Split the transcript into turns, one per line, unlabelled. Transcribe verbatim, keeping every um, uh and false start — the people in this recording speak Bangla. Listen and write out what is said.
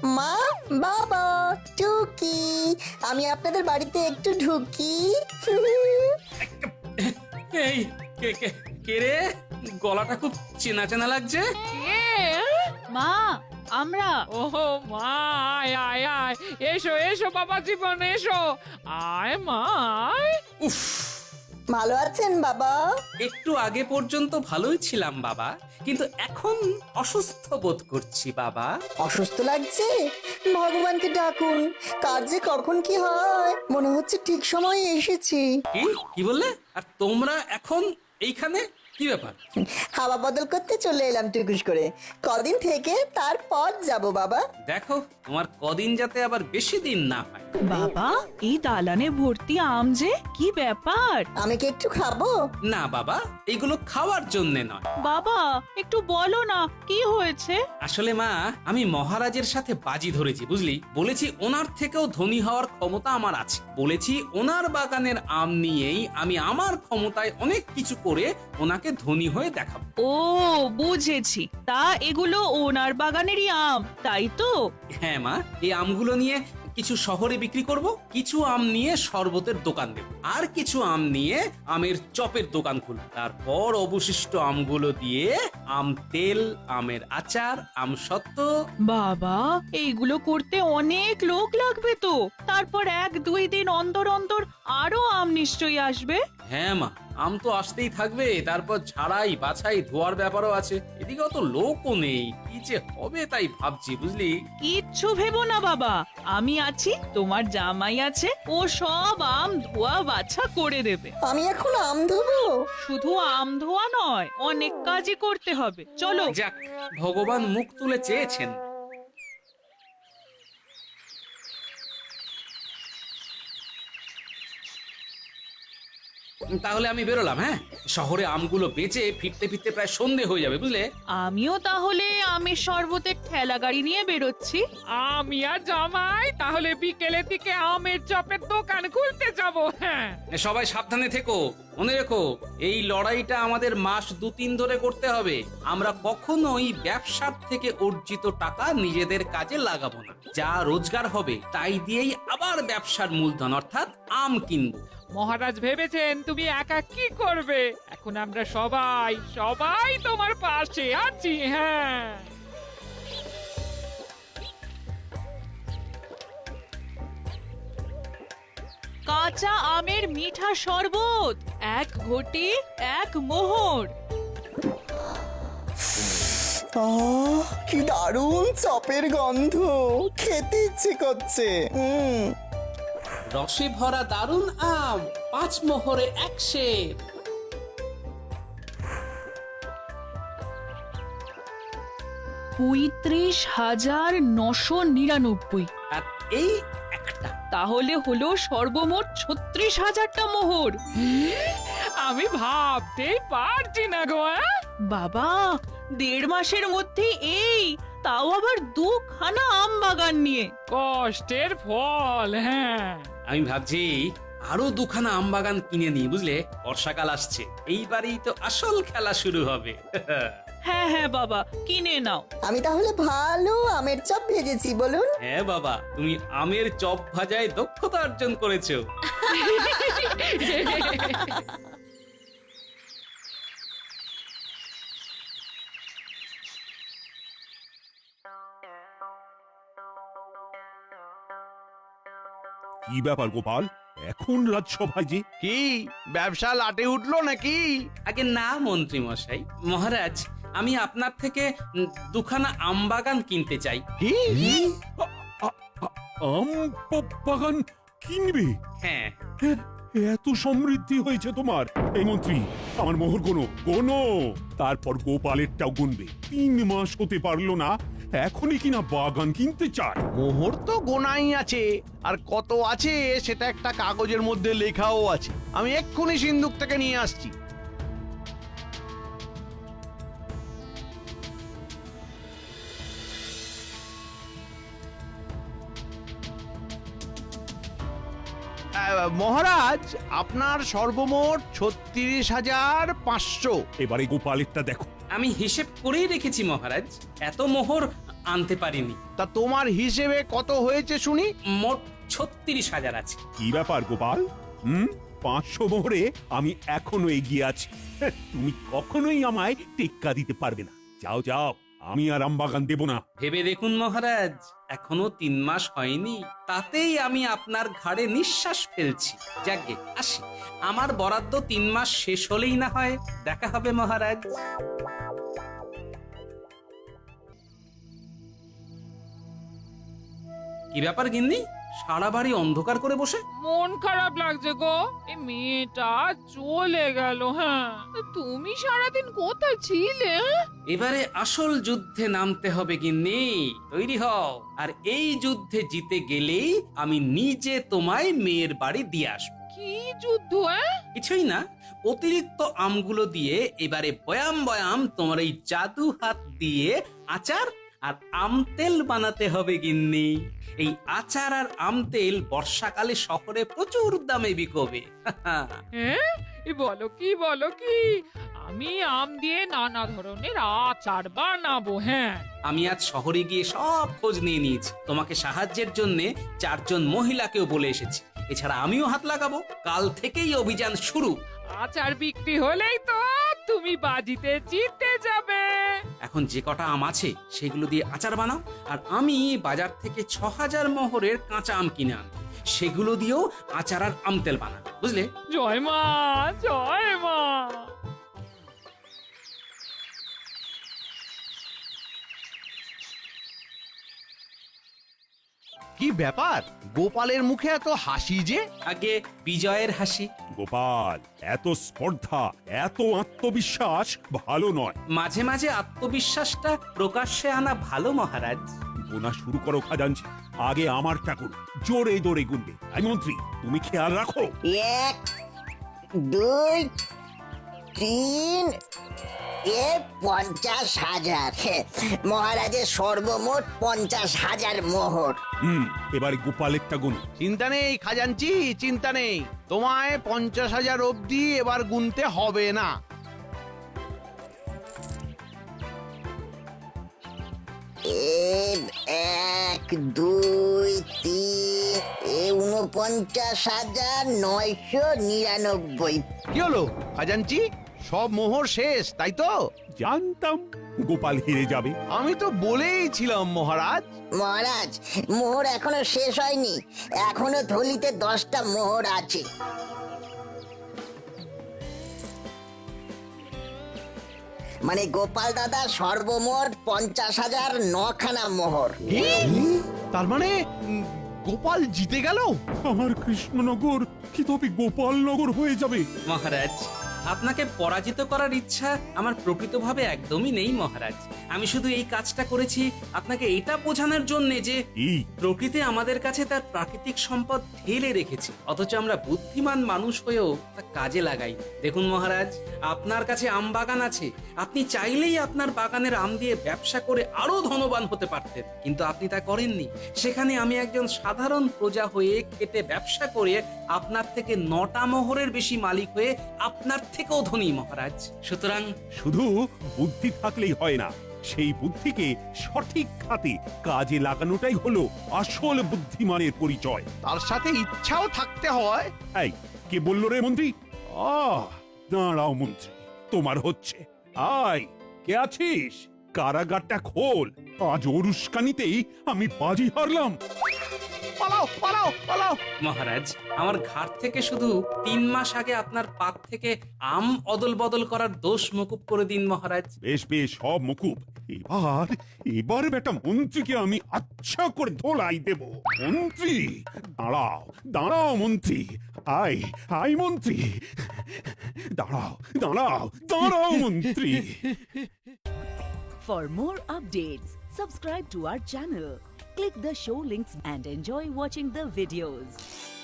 মা, বাবা, টুকি, আমি আপনাদের বাড়িতে একটু ঢুকি।
এই কে কে কে রে? গলাটা খুব চেনা চেনা লাগছে।
কে?
মা, আমরা।
ওহো মা, আয় আয় আয়, এসো এসো বাবা জীবন, এসো আয় মা আয়।
উফ,
ভালো আছেন বাবা?
একটু আগে পর্যন্ত ভালোই ছিলাম বাবা, কিন্তু এখন অসুস্থ বোধ করছি বাবা।
অসুস্থ লাগছে? ভগবানকে ডাকুন, কার যে কখন কি হয়, মনে হচ্ছে ঠিক সময়ে এসেছি।
কি কি বললে? আর তোমরা এখন এইখানে? কি ব্যাপার?
হাওয়া বদল করতে চলে এলাম টুকুস করে, কদিন থেকে তারপর যাব বাবা।
দেখো তোমার কদিন যাতে আবার বেশি দিন না হয়।
বাবা, এই দালানে ভর্তি আম যে, কি ব্যাপার?
আমি কি একটু খাবো?
না বাবা, এইগুলো খাওয়ার জন্যে নয়।
বাবা, একটু বলো না কি হয়েছে?
আসলে মা, আমি মহারাজের সাথে বাজি ধরেছি বুঝলি। বলেছি ওনার থেকেও ধনী হওয়ার ক্ষমতা আমার আছে। বলেছি ওনার বাগানের আম নিয়েই আমি আমার ক্ষমতায় অনেক কিছু করে ওনাকে ধনী হয়ে দেখাবো।
ও, বুঝেছি। তা এগুলো ওনার বাগানেরই আম, তাই তো?
হ্যাঁ মা, এই আমগুলো নিয়ে কিছু শহরে বিক্রি করব, কিছু আম নিয়ে শরবতের দোকান দেব, আর কিছু আম নিয়ে আমের চপের দোকান খুলব। তারপর অবশিষ্ট আমগুলো দিয়ে আম তেল, আমের আচার, আম সত্ত্ব।
বাবা, এইগুলো করতে অনেক লোক লাগবে তো। তারপর এক দুই দিন অন্তর অন্তর আরো আম নিশ্চয়ই আসবে।
হ্যাঁ মা, আম তো আসতেই থাকবে। তারপর ঝাড়াই বাছাই ধোয়ার ব্যাপারও আছে। এদিকে অত লোকও নেই, কি যে হবে তাই ভাবছি বুঝলি।
কিচ্ছু ভেবো না বাবা, আমি আছি, তোমার জামাই আছে, ও সব আম ধোয়া বাছা করে দেবে।
আমি এখন আম ধোবো?
শুধু আম ধোয়া নয়, অনেক কাজই করতে হবে। চলো।
যাক, ভগবান মুখ তুলে চেয়েছেন। তাহলে আমি বেরোলাম। হ্যাঁ, শহরে আমগুলো বেচে ফিরতে ফিরতে প্রায় সন্ধে হয়ে যাবে বুঝলে।
আমিও তাহলে আমের শরবতের ঠেলা গাড়ি নিয়ে বেরোচ্ছি।
আমি আর জামাই তাহলে বিকেলের দিকে আমের চপের দোকান খুলতে যাব। হ্যাঁ,
সবাই সাবধানে থেকো, মনে রেখো এই লড়াইটা আমাদের মাস দু তিন ধরে করতে হবে। আমরা কখনোই ব্যবসার থেকে অর্জিত টাকা নিজেদের কাজে লাগাবো না। যা রোজগার হবে তাই দিয়েই আবার ব্যবসার মূলধন অর্থাৎ আম কিনবো।
মহারাজ ভেবেছেন তুমি একা কি করবে, এখন আমরা সবাই সবাই তোমার পাশে আছি। হ্যাঁ,
কাঁচা আমের মিঠা শরবত, এক ঘটি এক মোহর।
আহ, কি দারুণ চপের গন্ধ, খেতে ইচ্ছে করছে। হুম,
রসে ভরা দারুণ আম, পাঁচ মোহরে এক সের।
পঁয়ত্রিশ হাজার নশো নিরানব্বই।
আর এই একটা।
তাহলে হলো সর্বমোট ছত্রিশ হাজারটা মোহর।
আমি ভাবতেই পারছি না গো। হ্যাঁ?
বাবা, দেড় মাসের মধ্যে এই, তাও আবার দুখানা আম বাগান নিয়ে।
কষ্টের ফল। হ্যাঁ,
আমি ভাবছি আরো দুখানা আম বাগান কিনে নিই বুঝলে। বর্ষাকাল আসছে, এইবারই তো আসল খেলা শুরু হবে।
হ্যাঁ হ্যাঁ বাবা, কিনে নাও।
আমি তাহলে ভালো আমের চপ ভেজেছি বলুন।
হ্যাঁ বাবা, তুমি আমের চপ ভাজায় দক্ষতা অর্জন করেছো।
কি ব্যাপার গোপাল, এখন রাজসভায় যে?
কি ব্যবসা লাটে উঠলো নাকি?
আগে না মন্ত্রী মশাই, মহারাজ আমি আপনার থেকে উম, দুখানা আম বাগান কিনতে চাই।
কি?
আ- আ- আ- আম বা- বাগান কিনবে?
হ্যাঁ।
এ- এত সমৃদ্ধি হয়েছে তোমার। এই মন্ত্রী, আমার মোহর গোনো গোনো, তারপর গোপালেরটাও গুনবে। তিন মাস হতে পারলো না, এখনই কিনা বাগান কিনতে চায়।
মোহর তো গোনাই আছে, আর কত আছে সেটা একটা কাগজের মধ্যে লেখাও আছে। আমি এক্ষুনি সিন্ধুক থেকে নিয়ে আসছি। আহ, মহারাজ, আপনার সর্বমোট ছত্রিশ হাজার পাঁচশো।
এবারে গোপালেরটা দেখো।
আমি হিসেব করেই রেখেছি মহারাজ, এত মোহর আনতে পারিনি।
তা তোমার হিসেবে কত হয়েছে শুনি?
মোট ছত্রিশ হাজার আছে।
কি ব্যাপার গোপাল? হুম, পাঁচশো মোহরে আমি এখনো এগিয়ে আছি। হ্যাঁ, তুমি কখনোই আমায় টেক্কা দিতে পারবে না। যাও যাও, আমি আর আমবাগান দেব না।
ভেবে দেখুন মহারাজ, এখনো তিন মাস হয়নি, তাতেই আমি আপনার ঘাড়ে নিঃশ্বাস ফেলছি। যাকে আসি, আমার বরাদ্দ তিন মাস শেষ হলেই না হয় দেখা হবে মহারাজ। কি ব্যাপার গিন্নি, সারা বাড়ি অন্ধকার করে বসে?
মন খারাপ লাগছে গো, এই মেয়েটা চলে গেল। হ্যাঁ, তা তুমি সারাদিন কোথায় ছিলে? হ্যাঁ?
এবারে আসল যুদ্ধে নামতে হবে গিন্নি, তৈরি হও। আর এই যুদ্ধে জিতে গেলেই আমি নিজে তোমায় মেয়ের বাড়ি দিয়ে আসবো।
কি যুদ্ধ? হ্যাঁ?
কিছুই না, অতিরিক্ত আমগুলো দিয়ে এবারে বয়াম বয়াম তোমার এই জাদু হাত দিয়ে আচার আর আম তেল বানাতে হবে গিন্নি। এই আচার আর আম তেল বর্ষাকালে শহরে প্রচুর দামে বিকবে।
হ্যাঁ, এ বলো কি বলো কি, আমি আম দিয়ে নানা ধরনের আচার বানাবো। হ্যাঁ,
আমি আজ শহরে গিয়ে সব খোঁজ নিয়ে নিয়েছি, তোমাকে সাহায্যের জন্য চারজন মহিলাকেও বলে এসেছি। এছাড়া আমিও হাত লাগাবো। কাল থেকেই অভিযান শুরু।
আচার বিক্রি হলেই তো তুমি বাজিতে জিতে যাবে।
এখন যে কটা আম আছে সেগুলো দিয়ে আচার বানাও, আর আমি বাজার থেকে ছ হাজার মোহরের কাঁচা আম কিনে আনবো, সেগুলো দিয়েও আচার আর আম তেল বানাবো, বুঝলে?
জয় মা, জয় মা।
কি ব্যাপার, গোপালের মুখে এত হাসি যে?
আগে বিজয়ের হাসি।
গোপাল, এত স্পর্ধা, এত আত্মবিশ্বাস ভালো নয়।
মাঝে মাঝে আত্মবিশ্বাসটা প্রকাশ্যে আনা ভালো মহারাজ।
গোনা শুরু করো খাজাঞ্চি, আগে আমারটা করো। জোরে জোরে গুনবে। আই মন্ত্রী, তুমি খেয়াল রাখো।
এক, দুই, তিন, এ পঞ্চাশ হাজার। মহারাজের সর্বমোট পঞ্চাশ হাজার মোহর।
হুম, এবারে গোপালেরটা গুনো।
চিন্তা নেই খাজাঞ্চি, চিন্তা নেই। তোমায় পঞ্চাশ হাজার অবধি এবার গুনতে হবে না।
এক, দুই, তিন, এ উনপঞ্চাশ হাজার নয়শো নিরানব্বই।
কি হলো খাজাঞ্চি, সব মোহর শেষ তাই তো?
জানতাম গোপাল হেরে যাবে।
আমি তো বলেই ছিলাম মহারাজ।
মহারাজ, মোহর এখনো শেষ হয়নি, এখনো থলিতে দশটা মোহর আছে। মানে গোপাল দাদা সর্বমোট পঞ্চাশ হাজার নখানা মোহর।
কি? তার মানে উম, গোপাল জিতে গেল?
আমার কৃষ্ণনগর কি তবে গোপালনগর হয়ে যাবে?
মহারাজ, আপনাকে পরাজিত করার ইচ্ছা আমার প্রকৃতভাবে একদমই নেই মহারাজ। আমি শুধু এই কাজটা করেছি আপনাকে এটা বোঝানোর জন্য যে
এই
প্রকৃতি আমাদের কাছে তার প্রাকৃতিক সম্পদ ঢেলে রেখেছে, অথচ আমরা বুদ্ধিমান মানুষ হয়েও তা কাজে লাগাই। দেখুন মহারাজ, আপনার কাছে আম বাগান আছে, আপনি চাইলেই আপনার বাগানের আম দিয়ে ব্যবসা করে আরো ধনবান হতে পারতেন, কিন্তু আপনি তা করেননি। সেখানে আমি একজন সাধারণ প্রজা হয়ে খেটে ব্যবসা করে আপনার থেকে নটা মোহরের বেশি মালিক হয়ে আপনার থেকেও ধনী মহারাজ। সুতরাং
শুধু বুদ্ধি থাকলেই হয় না, সেই বুদ্ধিকে সঠিক খাতে কাজে লাগানোটাই হলো আসল বুদ্ধিমানের পরিচয়।
তার সাথে ইচ্ছাও থাকতে হয়।
এই, কে বললো রে মন্ত্রী? আহ, দাঁড়াও মন্ত্রী, তোমার হচ্ছে। আয়, কে আছিস? কারাগারটা খোল। আজ ওরুস্কানিতেই আমি বাজি হারলাম।
পালাও পালাও পালাও।
মহারাজ, আমার ঘাট থেকে শুধু তিন মাস আগে আপনার পাত থেকে আম অদল বদল করার দোষ মকুব করে দিন মহারাজ।
বেশ বেশ, সব মুকুব। এবার এবার বেটা মন্ত্রীকে আমি আচ্ছা করে ধোলাই দেব। মন্ত্রী দাঁড়াও, দাঁড়াও মন্ত্রী। আয় আয় মন্ত্রী, দাঁড়াও দাঁড়াও দাঁড়াও মন্ত্রী।
For more updates, subscribe to our channel, click the show links and enjoy watching the videos.